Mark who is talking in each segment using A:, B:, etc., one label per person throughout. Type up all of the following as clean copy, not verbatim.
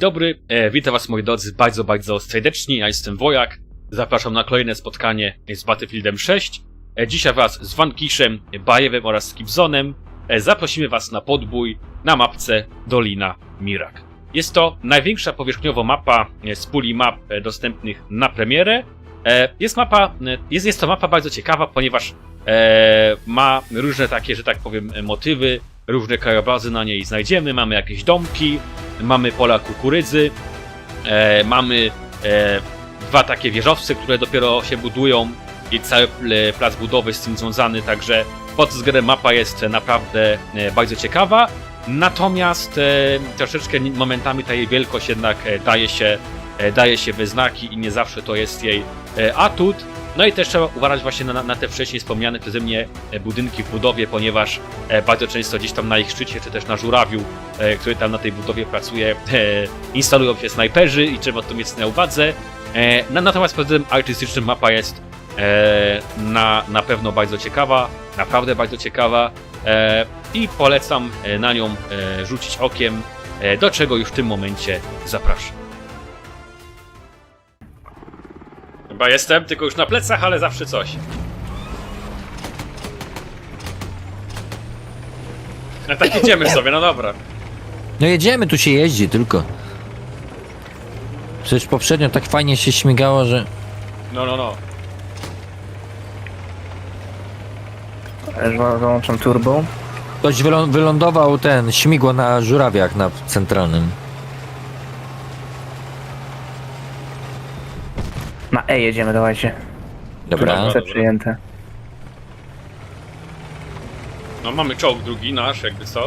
A: dobry, witam was moi drodzy bardzo serdecznie, ja jestem Wojak, zapraszam na kolejne spotkanie z Battlefieldem 6. Dzisiaj wraz z Vanquishem, Bajewem oraz Skipzonem zaprosimy was na podbój na mapce Dolina Mirak. Jest to największa powierzchniowo mapa z puli map dostępnych na premierę. Jest to mapa bardzo ciekawa, ponieważ ma różne takie, że tak powiem, motywy, różne krajobrazy na niej znajdziemy, mamy jakieś domki, mamy pola kukurydzy, mamy dwa takie wieżowce, które dopiero się budują i cały plac budowy z tym związany, także pod względem mapa jest naprawdę bardzo ciekawa, natomiast troszeczkę momentami ta jej wielkość jednak daje się we znaki i nie zawsze to jest jej atut. No i też trzeba uważać właśnie na te wcześniej wspomniane przeze mnie budynki w budowie, ponieważ bardzo często gdzieś tam na ich szczycie, czy też na żurawiu, który tam na tej budowie pracuje, instalują się snajperzy i trzeba to mieć na uwadze. Natomiast pod względem artystycznym mapa jest na pewno bardzo ciekawa, naprawdę bardzo ciekawa i polecam na nią rzucić okiem, do czego już w tym momencie zapraszam. Chyba jestem, tylko już na plecach, ale zawsze coś. No tak jedziemy sobie, no dobra.
B: No jedziemy, tu się jeździ tylko. Przecież poprzednio tak fajnie się śmigało, że...
A: No.
C: Załączam turbo.
B: Ktoś wylądował ten śmigło na żurawiach na centralnym.
C: Na E jedziemy, dawajcie.
B: Dobra.
C: C przyjęte.
A: No mamy czołg drugi nasz, jakby co.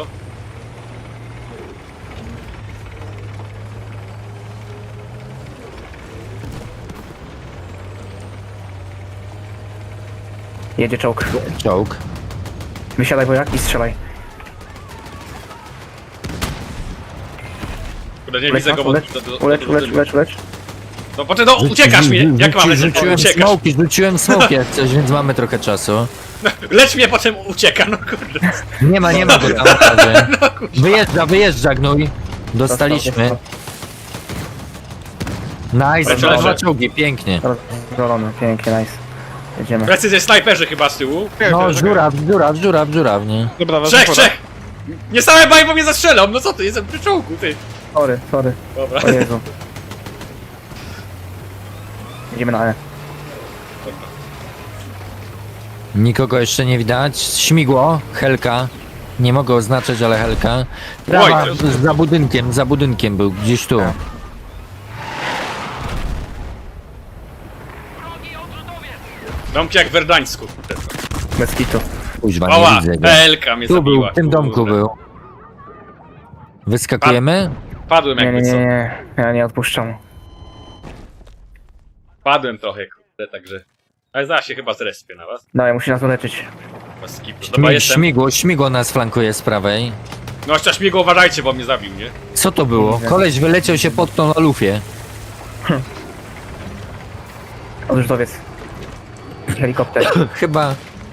C: Jedzie czołg.
B: Czołg.
C: Wysiadaj Wojak i strzelaj.
A: Kurde, nie widzę go, bo...
C: Ulecz.
A: No potem, no uciekasz mnie! Jak mam lecieć? Uciekasz!
B: Rzuciłem smoki jak coś, więc mamy trochę czasu.
A: Lecz mnie, potem ucieka, no kurde.
B: Nie ma go tam na razie. Wyjeżdża gnój. Dostaliśmy. Nice,
A: Lecę.
B: dwa czołgi, pięknie.
C: Rozwalony, pięknie, nice. Jedziemy.
A: Precyzja snajperzy chyba z tyłu.
B: No, żuraw, nie?
D: Dobra,
A: Trzech! Nie same baj, bo mnie zastrzelą, no co ty, jestem przy czołgu, ty.
C: Sorry.
A: Dobra.
C: O Jezu. Jedziemy na E.
B: Nikogo jeszcze nie widać. Śmigło, Helka. Nie mogę oznaczać, ale Helka. Prawa,
A: Oj,
B: za budynkiem był, gdzieś tu.
A: Domki jak w Werdańsku.
C: Bez kitu.
B: Kuźwa,
A: Ała,
B: nie widzę go.
A: Elka mnie
B: Tu był,
A: zabiła.
B: w tym domku
A: kurde.
B: był. Wyskakujemy?
A: Padłem jakby co.
C: Nie. Ja nie odpuszczam.
A: Padłem trochę, kurde, także... Ale zaraz się chyba zrespię na was.
C: Dawaj, musi nas uleczyć.
A: Chyba skipnę. Dobra, jestem.
B: Śmigło nas flankuje z prawej.
A: No jeszcze śmigło, uważajcie, bo mnie zabił, nie?
B: Co to było?
C: Widzę.
B: Koleś wyleciał się pod tą lufie.
C: Odrzutowiec. Helikopter.
B: Chyba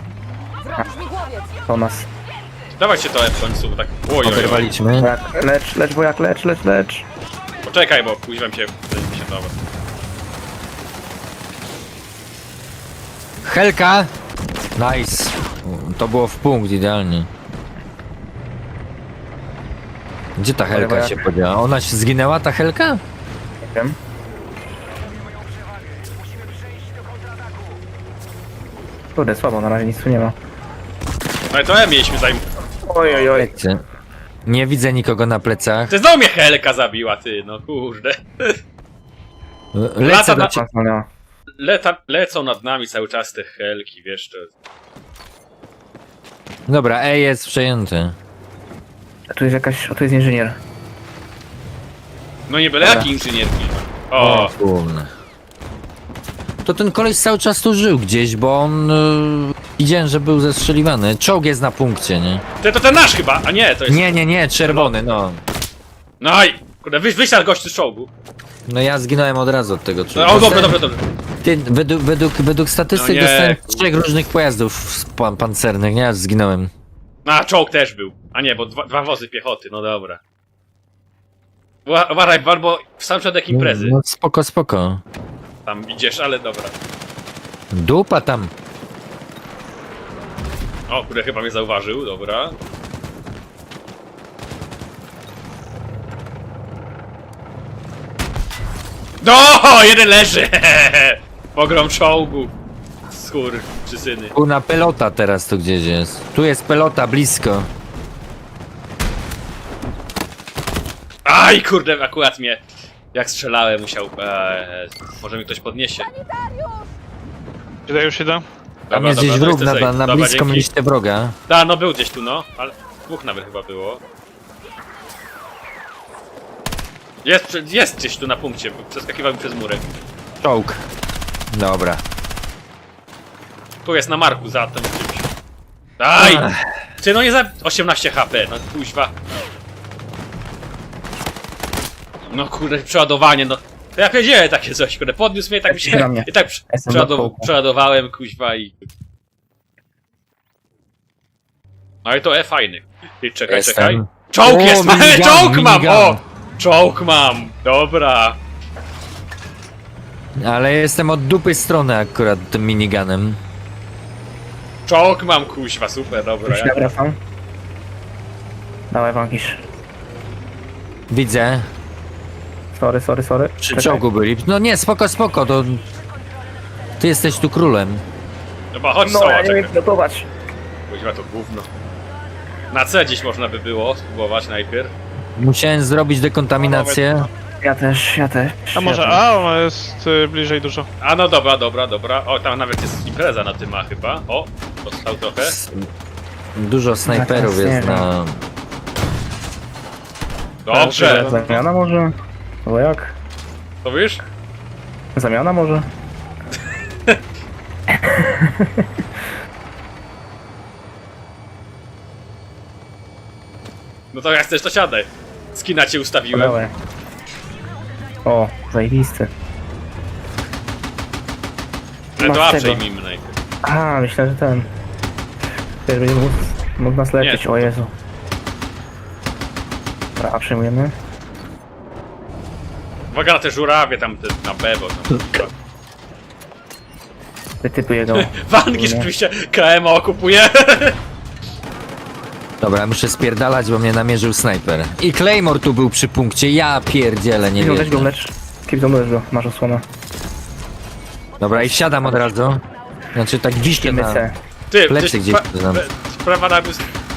C: To nas.
A: Dawajcie to w końcu, bo tak... Oj.
B: oberwaliśmy.
C: Wojak, lecz Wojak, lecz.
A: Poczekaj, bo kuźwam się... Dobra.
B: Helka! Nice. To było w punkt, idealnie. Gdzie ta Helka
C: jak-
B: się podziała? Ona się zginęła, ta Helka?
C: Nie wiem. Kurde, słabo, na razie nic tu nie ma.
A: No i to mieliśmy zajm...
C: Oj.
B: Nie widzę nikogo na plecach.
A: Ty znowu mnie Helka zabiła, ty, no kurde.
B: Lecę
A: Lata
B: do
A: na-
B: ciebie.
A: Lecą nad nami cały czas te Helki, wiesz, to...
B: Dobra, E jest przejęty.
C: A tu jest jakaś, tu jest inżynier.
A: No nie byle
C: Dobra.
A: jaki inżynierki. O,
B: Kurna. To ten koleś cały czas tu żył gdzieś, bo on... widziałem, że był zestrzeliwany. Czołg jest na punkcie, nie?
A: to ten nasz chyba, a nie, to jest...
B: Nie, czerwony, no.
A: No i, kurde, wysiadł gość z czołgu.
B: No ja zginąłem od razu od tego
A: No,
B: czołgu.
A: o, dobra.
B: Ty, według statystyk
A: No nie.
B: dostałem 3 różnych pojazdów pancernych, nie? Ja zginąłem.
A: No, a czołg też był. A nie, bo dwa wozy piechoty, no dobra. Uważaj, bo w sam środek imprezy.
B: No spoko, spoko.
A: Tam idziesz, ale dobra.
B: Dupa tam.
A: O, kurde, chyba mnie zauważył, dobra. No, jeden leży! Pogrom czołgu. Skór, czy syny.
B: Tu na pelota teraz tu gdzieś jest. Tu jest pelota blisko.
A: Aj, kurde, akurat mnie. Jak strzelałem, musiał. Może mi ktoś podniesie.
D: Idę, już idę.
B: Tam jest gdzieś
A: to
B: wróg,
A: jest safe.
B: na
A: Dobra,
B: blisko
A: dzięki.
B: mieliście wroga.
A: Da, no był gdzieś tu, no. Ale dwóch nawet chyba było. Jest gdzieś tu na punkcie, przeskakiwał mi przez murek.
B: Czołg. Dobra.
A: Tu jest na marku za tym czymś. Aj! Ty no nie za 18 HP, no kuźwa. No kurde, przeładowanie, no. To ja powiedziałem takie coś, kurde, podniósł mnie, tak mi
C: Na
A: się.
C: mnie.
A: I tak
C: Jestem na kołku.
A: przeładowałem, kuźwa i. No i to fajny. Ty, czekaj,
B: Jestem.
A: czekaj. Czołg
B: O,
A: jest,
B: minigun,
A: czołg mam!
B: minigun.
A: O! Czołg mam! Dobra.
B: Ale jestem od dupy strony akurat tym miniganem.
A: Czołg mam, kuźwa, super, dobra.
C: Już nawracam. Dawaj, Wankisz.
B: Widzę.
C: Sorry.
B: Przy
C: Czekaj.
B: czołgu byli. No nie, spoko, spoko, to... Ty jesteś tu królem.
A: Dobra, chodź
C: No,
A: Soła,
C: ja nie
A: czekaj.
C: wiem gotować.
A: Kuźwa, to gówno. Na C dziś można by było spróbować najpierw.
B: Musiałem zrobić dekontaminację.
C: Ja też.
D: A może
C: ja też.
D: A, ona jest bliżej dużo.
A: A no dobra. O, tam nawet jest impreza na tym A chyba. O, dostał trochę.
B: Dużo snajperów
C: Tak,
B: jest
C: nie
B: na...
A: Dobrze.
C: Zamiana może? Bo jak?
A: To wiesz?
C: Zamiana może?
A: No to jak chcesz, to siadaj. Skina cię ustawiłem.
C: Dawaj. O, zajebisty.
A: Ale to
C: Masz
A: A
C: tego.
A: przejmijmy najpierw.
C: A, myślę, że ten. Wiesz, będzie mógł nas leczyć,
A: Nie.
C: o Jezu. Dobra, a przyjmujemy.
A: Uwaga na te żurawie tam na B, bo tam...
C: Te typy jego.
A: Wanki rzeczywiście KM okupuje.
B: Dobra, muszę spierdalać, bo mnie namierzył snajper. I Claymore tu był przy punkcie, ja pierdzielę, nie
C: Weź go,
B: wiem.
C: lecz. Kipzon, lecz go, masz osłonę.
B: Dobra, i wsiadam od razu. Znaczy tak wiśnie
C: Idziemy
B: na...
C: C.
A: Ty,
B: Plecy gdzieś tu znam.
A: Sprawa na...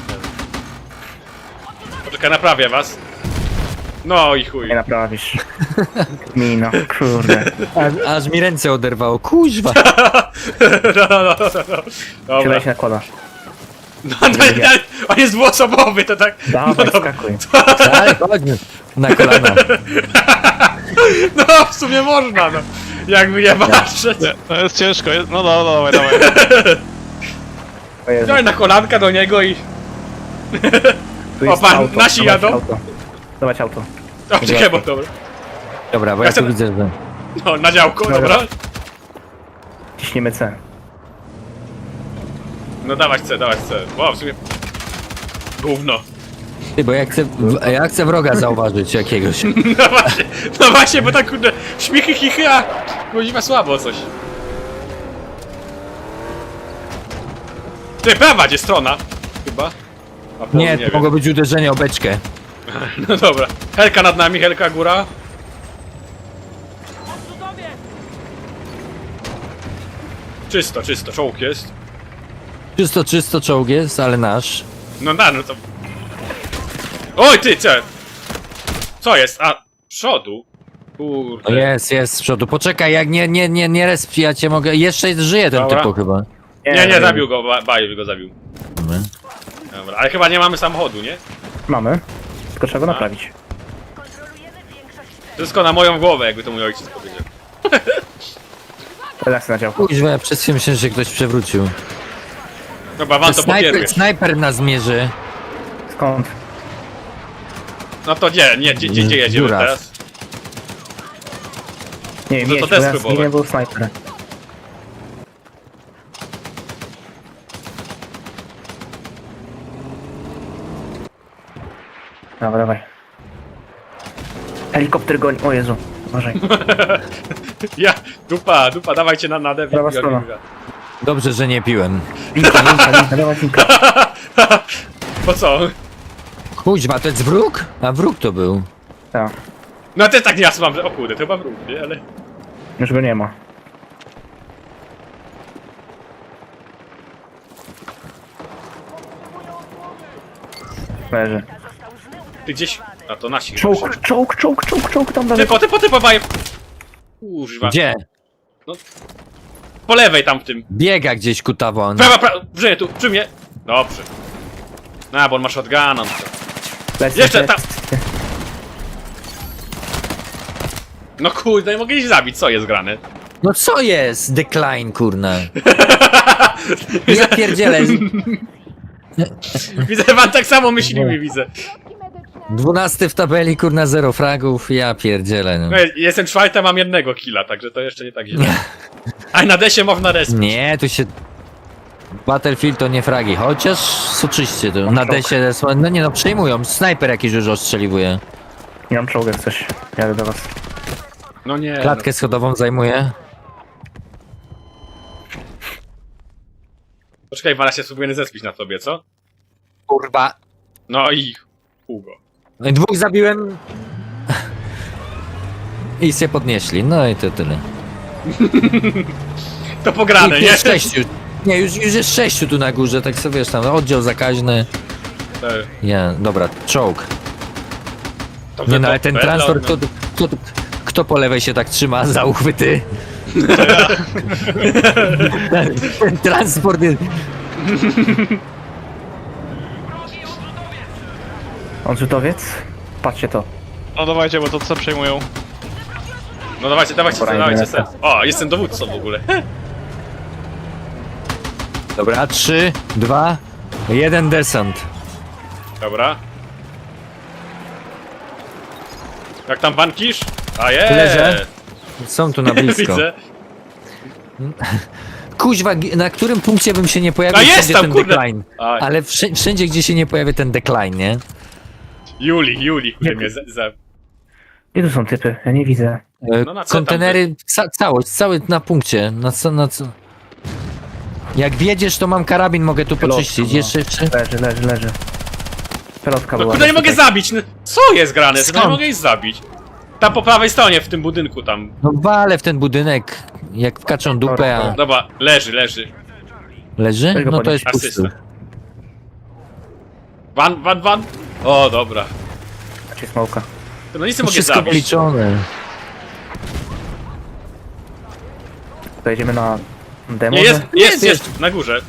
A: Poczekaj, naprawię was. No i chuj.
C: Nie naprawisz. Mina, kurde.
B: Aż mi ręce oderwało, kuźwa.
A: No. Dobra.
C: Siadaj się nakłada.
A: No, on jest dwuosobowy, to tak...
C: Dawaj,
A: no dobra.
C: skakuj.
B: Ale chodź na kolana.
A: No, w sumie można, no. Jakby nie patrzeć.
D: Nie, to jest ciężko. No dawaj.
C: O Jezu.
A: Daj na kolanka do niego i...
C: Tu jest
A: O, pan,
C: auto.
A: nasi
C: Dawać
A: jadą?
C: Auto. Dawać auto.
A: O, czekaj, bo dobra.
B: Dobra, bo
A: Ja
B: ja tu
A: chcę-
B: widzę, że...
A: No, na działko,
C: Dobra.
A: dobra.
C: Ciśniemy C.
A: No dawać C. Wow, w sumie... Gówno.
B: Ty, bo ja chcę wroga zauważyć jakiegoś.
A: No właśnie, bo tak kurde... Śmichy, chichy, a... Kuźwa słabo coś. Ty, prawa, gdzie strona? Chyba. A południe,
B: Nie, to mogło być uderzenie o beczkę.
A: No dobra. Helka nad nami, Helka góra. Czysto, czołg jest.
B: Czysto czołg jest, ale nasz.
A: No to... Oj, ty, co? Co jest? A, przodu?
B: No
A: Kurde.
B: jest z przodu. Poczekaj, jak nie resp, ja cię mogę... Jeszcze żyje ten
A: Dobra.
B: typu chyba.
A: Nie, zabił go, Bajew go zabił.
B: Dobra.
A: Dobra, ale chyba nie mamy samochodu, nie?
C: Mamy. Tylko trzeba go naprawić.
A: Wszystko na moją głowę, jakby to mój ojciec powiedział.
C: Redakcja na działku.
B: Kuźwa, ja przez chwilę myślałem, że ktoś przewrócił.
A: Dobra, wam to pokieruje.
B: Snajper nas mierzy.
C: Skąd?
A: No to gdzie jedziemy
B: Dziura.
A: teraz?
C: Nie wiem,
A: No to
C: jedź,
A: też
C: bo ja
A: spróbować.
C: zginę, był snajper. Dawaj. Helikopter goni. O Jezu, uważaj.
A: Ja, dupa, dawajcie na dev.
C: Prawa strona.
B: Dobrze, że nie piłem.
C: Linka, dawaj linka.
A: Po co?
B: Kuźwa, to jest wróg? A wróg to był.
C: Tak,
A: No ja też tak nie mam, że o kurde, to chyba wróg, nie? Ale...
C: już go nie ma. Leży.
A: Ty gdzieś... A to nasi chyba się-
C: Czołg, tam dalej.
A: Typo, baje! Kurwa.
B: Gdzie?
A: Po lewej tam w tym.
B: Biega gdzieś kutawon.
A: Prawa, tu, przy mnie. Dobrze. No, bo on ma shotguna. No.
C: Lecę,
A: Jeszcze
C: lecę.
A: No kurde, nie mogę ich zabić, co jest grane?
B: No co jest? Decline, kurna. Ja pierdzielę.
A: Widzę, pan tak samo myślimy, widzę.
B: 12 w tabeli, kurna, 0 fragów. Ja pierdzielę. No.
A: No, jestem czwarty, mam jednego killa, także to jeszcze nie tak źle. A na desie można resp.
B: Nie, tu się... Battlefield to nie fragi, chociaż soczyście to. Na desie, no nie no, przejmują. Snajper jakiś już ostrzeliwuje.
C: Nie mam czołga, jak coś. Jadę do was.
A: No nie.
B: Klatkę schodową zajmuje.
A: Poczekaj, Wala się spróbuję zespić na tobie, co?
B: Kurwa.
A: No i... Hugo.
B: No i 2 zabiłem. I się podnieśli, no i to tyle.
A: To pograne,
B: Ich
A: nie?
B: jest 6. Nie, już jest 6 tu na górze, tak sobie wiesz, tam oddział zakaźny. Ja, dobra, czołg.
A: Dobrze,
B: Nie no,
A: to
B: ale ten
A: wedle
B: transport,
A: od-
B: kto po lewej się tak trzyma za uchwyty? Ten transport jest...
C: Odrzutowiec? Patrzcie to.
D: No dawajcie, bo to co przejmują.
A: No dawajcie,
C: Pora
A: dawajcie
C: innego.
A: sens. O, jestem dowódcą w ogóle.
B: Dobra, 3, 2, 1 desant.
A: Dobra. Jak tam bankisz? A jest!
B: Leżę. Są tu na blisko.
A: Widzę.
B: Kuźwa, na którym punkcie bym się nie pojawił,
A: A jest
B: wszędzie
A: tam,
B: ten
A: kurde!
B: decline.
A: A,
B: Ale wszędzie, gdzie się nie pojawia ten decline, nie?
A: Juli, który mnie
C: Gdzie tu są typy? Ja nie widzę.
A: No na co tam
B: Kontenery, cały na punkcie. Na co? Jak wiedziesz, to mam karabin, mogę tu
C: Pilotka,
B: poczyścić.
C: no.
B: Jeszcze.
C: Leży. Pelotka
A: No
C: była.
A: kurde, nie mogę zabić! No, co jest grane? To nie
B: Skąd?
A: mogę ich zabić. Tam po prawej stronie, w tym budynku tam.
B: No walę w ten budynek, jak wkaczą dupę, a...
A: Dobra, leży.
B: Leży?
C: Weź go
B: No to
C: podnieś.
B: jest pusty.
A: Asysta. Van. O, dobra.
C: Znaczy smoka.
A: No nic nie mogę
B: Wszystko
A: zabić.
B: policzone.
C: To jedziemy na demo.
A: Nie,
C: że?
A: jest, na górze.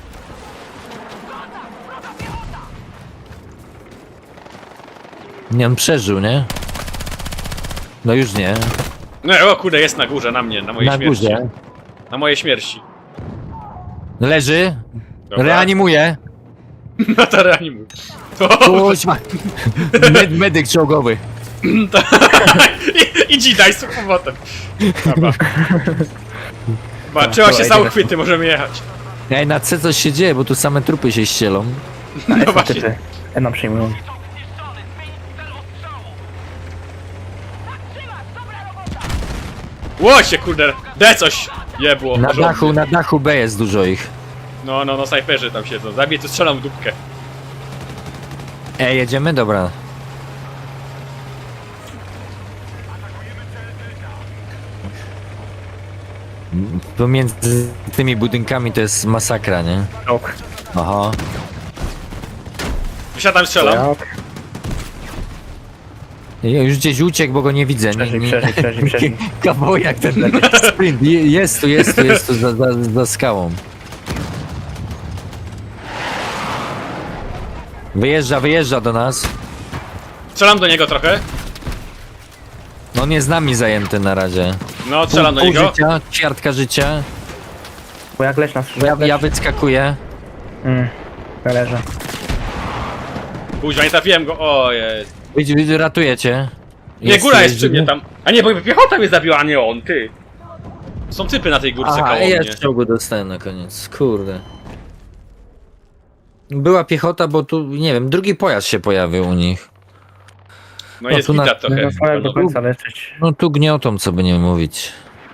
B: Nie, on przeżył, nie? No już nie.
A: No, o kurde, jest na górze, na mnie, na mojej
B: Na
A: śmierci.
B: górze.
A: Na mojej śmierci.
B: Leży.
A: Dobra.
B: Reanimuje.
A: No to reanimuj. To...
B: Kuźma. Medyk czołgowy.
A: I daj z powrotem. Dobra. Chyba trzeba się za uchwyty, możemy jechać.
B: Ej, na C coś się dzieje, bo tu same trupy się ścielą.
A: No właśnie.
C: Typy. Nam przyjmują.
A: Łosie, kurde, D coś jebło.
B: Na dachu B jest dużo ich.
A: No, snajperzy tam siedzą. Zabiję, tu strzelam w dupkę.
B: Ej, jedziemy? Dobra. Pomiędzy tymi budynkami to jest masakra, nie?
C: Czołg.
B: Aha.
A: Wysiadam, strzelam.
B: Ja już gdzieś uciekł, bo go nie widzę.
C: Przeżyj.
B: Kawałek ten sprint. Jest tu za skałą. Wyjeżdża do nas.
A: Strzelam do niego trochę.
B: No on jest z nami zajęty na razie.
A: No, strzelam do
B: Pół
A: niego.
B: życia, ćwiartka życia.
C: Bo jak leś nas
B: Ja wyskakuję.
C: Leżę.
A: Później nie trafiłem go. O, jest.
B: Widzisz, ratuję cię.
A: Nie, góra jest przy mnie tam. A nie, bo piechota mnie zabiła, a nie on, ty. Są typy na tej górce
B: Aha,
A: koło
B: ja
A: mnie.
B: czołgu dostałem na koniec. Kurde. Była piechota, bo tu, nie wiem, drugi pojazd się pojawił u nich.
A: No
B: O,
A: jest
B: tu na-
A: widać trochę.
C: No co, jak do
A: No,
C: końca leczyć.
B: No tu gniotą, co by nie mówić.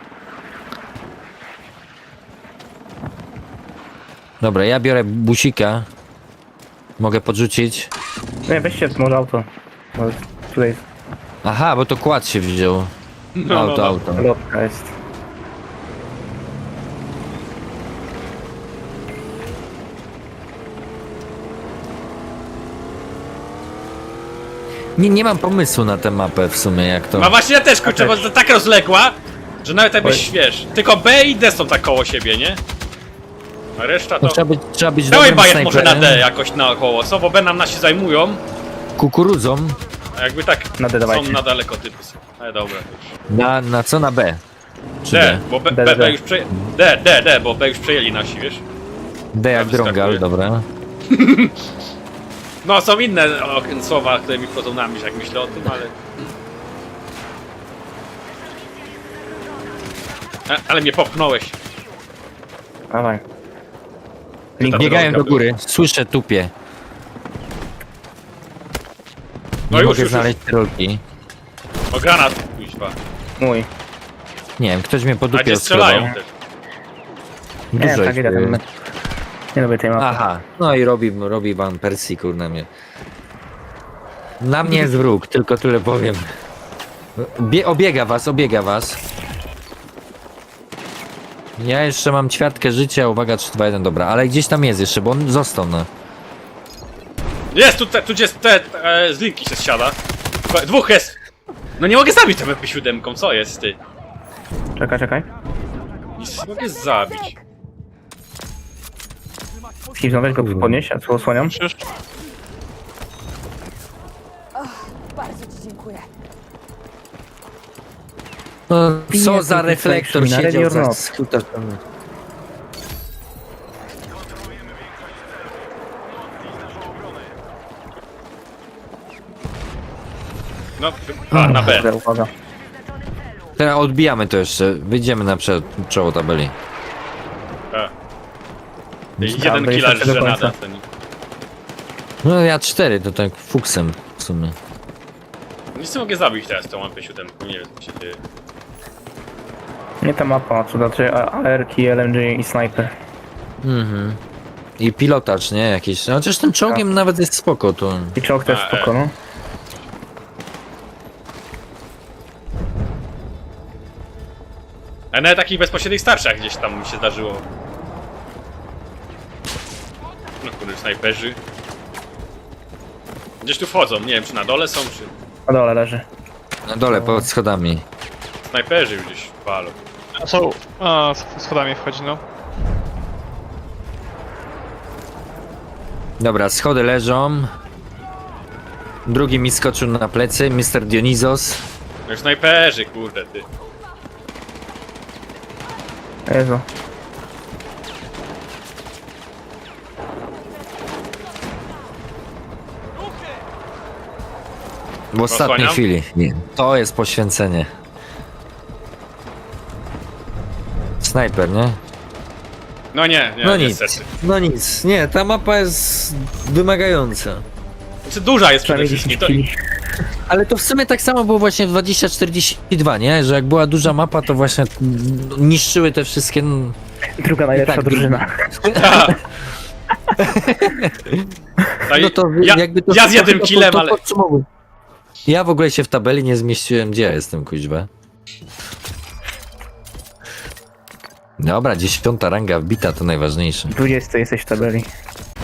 B: Dobra, ja biorę busika. Mogę podrzucić.
C: Nie, weźcie może auto. Bo tutaj
B: Aha, bo to kład się wziął.
A: no,
B: Auto,
A: no.
B: auto.
C: lotka jest.
B: Nie mam pomysłu na tę mapę w sumie, jak to...
A: No właśnie ja też kurczę, bo to tak rozległa, że nawet jakbyś wiesz, tylko B i D są tak koło siebie, nie? A reszta to...
B: No, trzeba być
A: Dawaj
B: dobrym
A: bajet może na D
B: snajperem.
A: jakoś naokoło, co? Bo B nam nasi zajmują,
B: Kukurudzą.
A: a jakby tak
C: Na D
A: są
C: dawajcie.
A: na daleko typy są. Ale dobra, już.
B: Na co? Na B? Czy
A: D,
B: D?
A: bo
C: D, D.
A: B już przejęli... D, bo B już przejęli nasi, wiesz?
B: D jak
A: wyskakuje.
B: drągal, dobra.
A: No są inne słowa, które mi wchodzą na myśl, jak myślę o tym, ale... Ale mnie popchnąłeś.
C: Dawaj.
A: Link
B: Biegają do
A: drąga
B: góry. Słyszę tupie.
A: No
B: Nie
A: już,
B: mogę
A: już.
B: znaleźć rolki.
A: O granat, kuźwa.
C: Mój.
B: Nie wiem, ktoś mnie
A: A
B: podupiał
A: gdzie strzelają
B: skrobą.
A: też?
C: Nie,
B: Dużo
C: tak
B: ich
C: ile tam
B: jest.
C: Nie lubię tej mapy.
B: Aha, no i robi wam Persji, kurna mnie. Na mnie jest wróg, tylko tyle powiem. Obiega was. Ja jeszcze mam ćwiartkę życia, uwaga, 3, 2, 1, dobra, ale gdzieś tam jest jeszcze, bo on został na...
A: Jest, tu gdzie z linki się zsiada. Dwóch jest! No nie mogę zabić tym MP7, co jest ty?
C: Czekaj.
A: Nic nie mogę zabić.
C: Skipnął, weź go podnieść, a co osłaniam?
D: Przecież
E: Bardzo ci dziękuję.
B: No, co
C: Bije
B: za
C: ten
B: reflektor
C: Krishna,
B: siedział
C: ready or
B: za
C: not?
B: skutaczem.
A: No, na B.
C: Kurde, uwaga.
B: Teraz odbijamy to jeszcze, wyjdziemy na czoło tabeli.
A: Jeden
C: to
A: killer
C: jeszcze do
A: żenada.
C: końca.
A: Ten.
B: No ja 4, to tak fuksem w sumie.
A: Nic nie mogę zabić teraz tą MP7, nie wiem co się dzieje.
C: Nie ta mapa, co znaczy AR-ki, LMG i sniper.
B: Mhm. I pilotaż, nie? Jakiś. No, chociaż tym czołgiem nawet jest spoko to.
C: I czołg też
A: A,
C: spoko, no.
A: A nawet takich bezpośrednich starszych gdzieś tam mi się zdarzyło. No kurde, snajperzy. Gdzieś tu wchodzą, nie wiem czy na dole są, czy...
C: Na dole leży.
B: Na dole, pod schodami.
A: Snajperzy już gdzieś palą.
D: są... A, schodami wchodzi, no.
B: Dobra, schody leżą. Drugi mi skoczył na plecy, Mr. Dionizos.
A: No już snajperzy, kurde ty.
C: Jezu.
B: W ostatniej
A: Osłaniam?
B: chwili. Nie. To jest poświęcenie. Snajper, nie?
A: No nie,
B: No nic.
A: niestety.
B: No nic. Nie, ta mapa jest wymagająca.
A: Znaczy duża jest przede
C: Przynajmniej
A: wszystkim.
C: 10
A: To...
C: kili.
B: Ale to w sumie tak samo było właśnie w 2042, nie? Że jak była duża mapa, to właśnie niszczyły te wszystkie...
C: Druga najlepsza
B: tak,
C: drużyna.
B: No to
A: ja,
B: jakby to...
A: ja z jednym
B: to
A: killem, ale...
B: podsumowuję. Ja w ogóle się w tabeli nie zmieściłem, gdzie ja jestem, kuźba. Dobra, 10. ranga wbita, to najważniejsze.
C: 20 jesteś w tabeli.